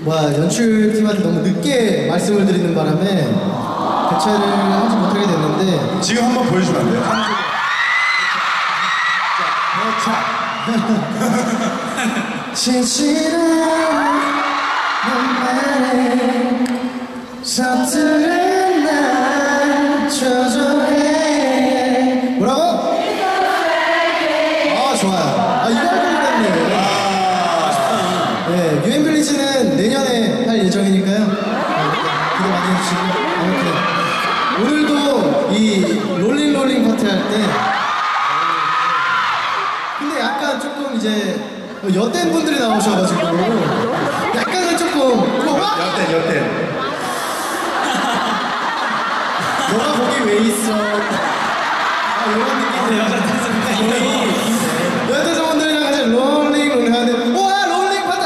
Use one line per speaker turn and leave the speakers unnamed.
연출팀한테 너무 늦게 말씀을 드리는 바람에 대체를 하지 못하게 됐는데
지금 한번 보여주면 안 돼요?
진실한 너만의 서투른 날 조절해. 뭐라고? 아 좋아요. 아 이거 할 걸 그랬네. 네, 유엔빌리지는 내년에 할 예정이니까요. 기대 많이 해주시고 아무튼 오늘도 이 롤링 파티 할 때 근데 약간 조금 이제 여댄 분들이 나오셔가지고 약간은 조금
여태
너가 거기 왜 있어? 아 이런 느낌이에요. 여자분들이랑 같이 롤링 해야 돼. 우와 롤링 파티.